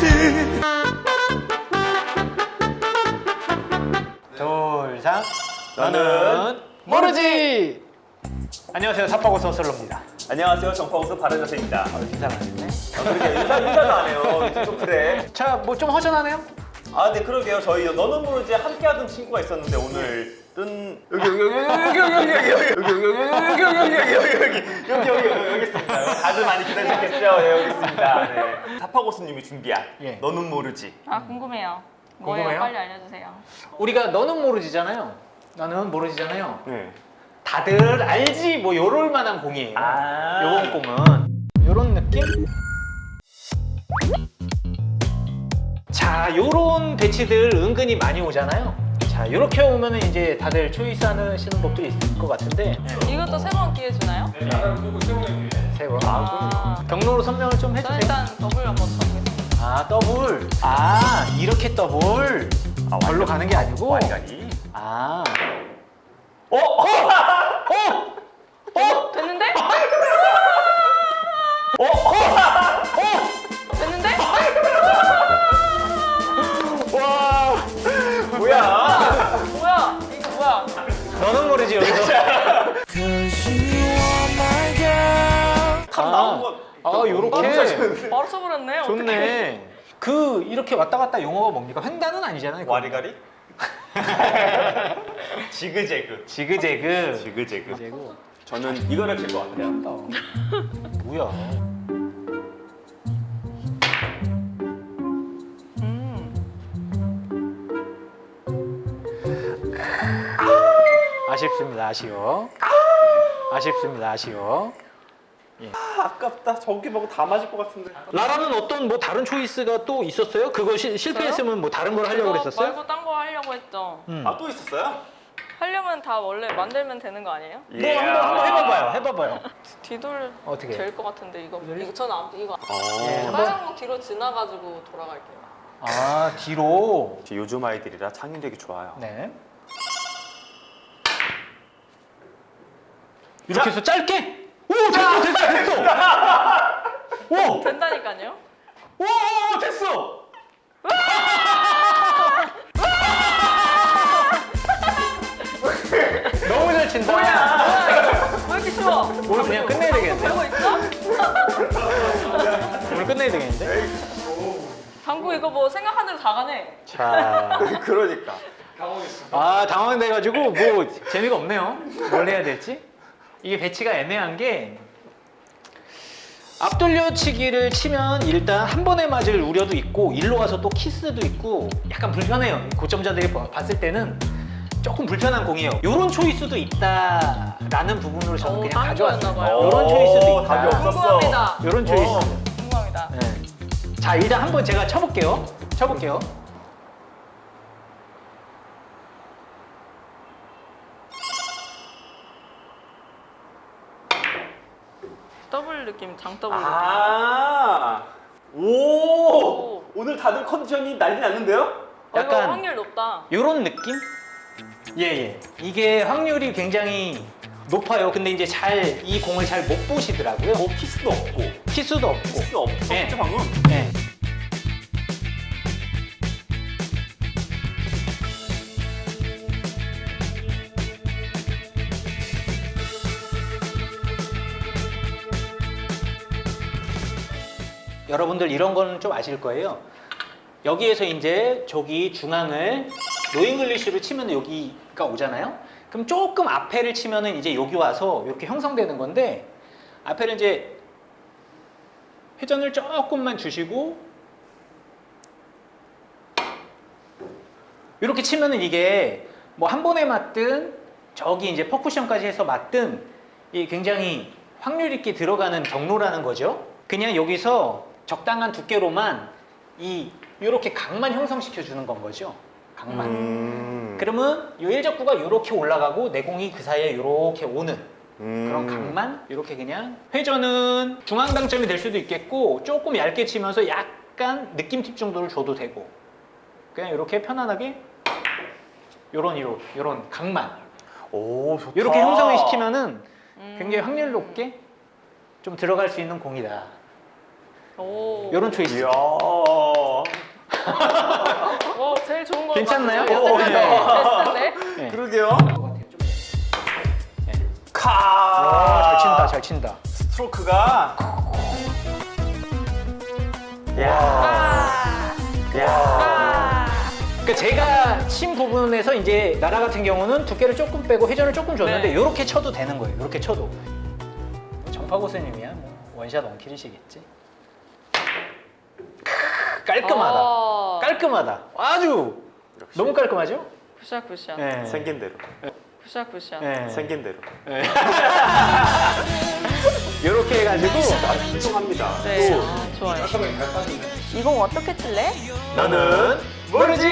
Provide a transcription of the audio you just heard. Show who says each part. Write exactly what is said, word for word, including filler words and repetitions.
Speaker 1: 둘, 셋. 너는 모르지. 안녕하세요, 삽바고서 솔로입니다.
Speaker 2: 안녕하세요, 정파고서 바른자세입니다.
Speaker 1: 어, 인사가 안 했네.
Speaker 2: 아, 그렇게 인사, 인사도 안 해요. 좀 그래.
Speaker 1: 자, 뭐 좀 허전하네요.
Speaker 2: 아, 네, 그러게요. 저희 너는 모르지 함께하던 친구가 있었는데 오늘은 여기 여기 여기 여기 여기 여기 여기 여기 여기 여기 여기 여기 여기 여기 여기 여기 있습니다. 다들 많이 기다리셨겠죠? 네, 여기 있습니다. 네. 사파고스님이 준비한
Speaker 1: 예.
Speaker 2: 너는 모르지.
Speaker 3: 아 궁금해요. 뭐예요?
Speaker 1: 궁금해요?
Speaker 3: 빨리 알려주세요.
Speaker 1: 우리가 너는 모르지잖아요. 나는 모르지잖아요.
Speaker 2: 네.
Speaker 1: 다들 알지 뭐 요럴 만한 공이에요.
Speaker 2: 아.
Speaker 1: 요번 공은 요런 느낌? 자, 요런 배치들 은근히 많이 오잖아요. 자, 요렇게 오면은 이제 다들 초이스 하시는 법도 있을 것 같은데.
Speaker 3: 이것도 세 번 기회 주나요?
Speaker 1: 네. 세 번.
Speaker 3: 아,
Speaker 1: 경로로 설명을 좀
Speaker 3: 저는
Speaker 1: 해주세요.
Speaker 3: 일단 더블 한번 쳐보겠습니다.
Speaker 1: 아, 더블. 아, 이렇게 더블.
Speaker 2: 아,
Speaker 1: 절로 가는 게 아니고.
Speaker 2: 와이가리.
Speaker 1: 아.
Speaker 2: 어? 어?
Speaker 1: 어?
Speaker 3: 됐는데?
Speaker 2: 어? 어?
Speaker 3: 됐는데?
Speaker 2: 와. 뭐야?
Speaker 3: 뭐야? 이거 뭐야?
Speaker 1: 너는 모르지, 여기서.
Speaker 2: 감 나온 거.
Speaker 1: 아, 요렇게.
Speaker 3: 바로 쳐버렸네. 어떡해.
Speaker 1: 좋네. 그 이렇게 왔다 갔다 용어가 뭡니까? 횡단은 아니잖아요. 그거.
Speaker 2: 와리가리? 지그재그.
Speaker 1: 지그재그.
Speaker 2: 지그재그.
Speaker 1: 지그재그.
Speaker 2: 저는 이거를 칠 것 같아요.
Speaker 1: 뭐야?
Speaker 3: 음.
Speaker 1: 아쉽습니다. 아쉬워. 아쉽습니다. 아쉬워.
Speaker 2: 아, 아깝다. 저기 보고 다 맞을 것 같은데.
Speaker 1: 라라는 어떤 뭐 다른 초이스가 또 있었어요? 그거 시, 실패했으면 뭐 다른 걸 하려고
Speaker 3: 그거
Speaker 1: 그랬었어요?
Speaker 3: 말고 딴 거 하려고 했죠.
Speaker 1: 음.
Speaker 2: 아, 또 있었어요?
Speaker 3: 하려면 다 원래 만들면 되는 거 아니에요?
Speaker 1: 뭐 한번 한번 해봐봐요. 해봐봐요.
Speaker 3: 뒤돌
Speaker 1: 어떻게?
Speaker 3: 될 것 같은데 이거.
Speaker 1: 뒤돌이?
Speaker 3: 이거 저는 아무튼 이거.
Speaker 1: 예,
Speaker 2: 어.
Speaker 1: 한번.
Speaker 3: 빨간 거 뒤로 지나가지고 돌아갈게요.
Speaker 1: 아, 뒤로.
Speaker 2: 요즘 아이들이라 창의력이 좋아요.
Speaker 1: 네. 이렇게 해서 짧게. 오, 됐어, 됐어, 됐어. 오,
Speaker 3: 된다니까요?
Speaker 1: 오, 됐어. 너무 잘 친다.
Speaker 3: 뭐야? 왜 이렇게 쉬워?
Speaker 1: 오늘 그냥 끝내야 되겠는데?
Speaker 3: 되고 있어?
Speaker 1: 오늘 끝내야 되겠는데?
Speaker 3: 방구 이거 뭐 생각한 대로 다 가네.
Speaker 1: 자,
Speaker 2: 그러니까.
Speaker 1: 아 당황돼가지고 뭐 재미가 없네요. 뭘 해야 될지. 이게 배치가 애매한 게 앞돌려치기를 치면 일단 한 번에 맞을 우려도 있고 일로 와서 또 키스도 있고 약간 불편해요. 고점자들이 봐- 봤을 때는 조금 불편한 공이에요. 요런 초이스도 있다라는 부분으로 저는
Speaker 3: 오,
Speaker 1: 그냥
Speaker 3: 다른
Speaker 1: 가져왔어요.
Speaker 3: 거였나 봐요.
Speaker 1: 요런 초이스도 있다.
Speaker 2: 답이 없었어.
Speaker 3: 궁금합니다.
Speaker 1: 요런 초이스.
Speaker 2: 어.
Speaker 3: 궁금합니다.
Speaker 1: 네. 자, 일단 한번 제가 쳐볼게요. 쳐볼게요.
Speaker 3: 더블 느낌, 장더블
Speaker 2: 아. 오.
Speaker 3: 오.
Speaker 2: 오늘 다들 컨디션이 난리 났는데요?
Speaker 3: 느낌. 어, 이거
Speaker 1: 약간-
Speaker 3: 확률 높다.
Speaker 1: 요런 느낌? 예, 예. 이게 확률이 굉장히 높아요. 근데 이제 잘, 이 공을 잘 못 보시더라고요.
Speaker 2: 뭐 키스도 없고.
Speaker 1: 키스도 없고.
Speaker 2: 키스 없었죠
Speaker 1: 예.
Speaker 2: 방금?
Speaker 1: 예. 여러분들 이런 거는 좀 아실 거예요. 여기에서 이제 저기 중앙을 노잉글리쉬로 치면 여기가 오잖아요. 그럼 조금 앞에를 치면은 이제 여기 와서 이렇게 형성되는 건데 앞에를 이제 회전을 조금만 주시고 이렇게 치면은 이게 뭐 한 번에 맞든 저기 이제 퍼쿠션까지 해서 맞든 이 굉장히 확률 있게 들어가는 경로라는 거죠. 그냥 여기서 적당한 두께로만 이 이렇게 각만 형성시켜 주는 건 거죠. 각만.
Speaker 2: 음.
Speaker 1: 그러면 이 일적구가 이렇게 올라가고 내공이 그 사이에 이렇게 오는
Speaker 2: 음.
Speaker 1: 그런 각만 이렇게 그냥 회전은 중앙 당점이 될 수도 있겠고 조금 얇게 치면서 약간 느낌 팁 정도를 줘도 되고 그냥 이렇게 편안하게 요런 이런 요런 각만
Speaker 2: 오, 좋다.
Speaker 1: 이렇게 형성을 시키면은
Speaker 3: 음.
Speaker 1: 굉장히 확률 높게 좀 들어갈 수 있는 공이다.
Speaker 3: 오.
Speaker 1: 요런 초이스.
Speaker 2: 이야.
Speaker 3: 오, 제일 좋은 거
Speaker 1: 괜찮나요?
Speaker 3: 같아요.
Speaker 1: 오,
Speaker 3: 여태까지
Speaker 1: 네.
Speaker 3: 베스트인데?
Speaker 1: 네.
Speaker 2: 그러게요. 카.
Speaker 1: 아, 잘 친다, 잘 친다.
Speaker 2: 스트로크가. 야.
Speaker 3: 아,
Speaker 2: 야.
Speaker 3: 아.
Speaker 1: 그러니까 제가 친 부분에서 이제 나라 같은 경우는 두께를 조금 빼고 회전을 조금 줬는데
Speaker 3: 네.
Speaker 1: 이렇게 쳐도 되는 거예요. 이렇게 쳐도. 정파 고수님이야 뭐 원샷 원킬이시겠지. 크, 깔끔하다.
Speaker 3: 어.
Speaker 1: 깔끔하다. 아주
Speaker 2: 역시.
Speaker 1: 너무 깔끔하죠?
Speaker 3: 굿샷 굿샷.
Speaker 1: 네.
Speaker 2: 생긴 대로.
Speaker 3: 굿샷 굿샷.
Speaker 1: 네.
Speaker 2: 생긴 대로.
Speaker 1: 이렇게 해가지고
Speaker 2: 신중합니다.
Speaker 3: 네. 아, 좋아요. 이공 어떻게 칠래?
Speaker 2: 나는 모르지.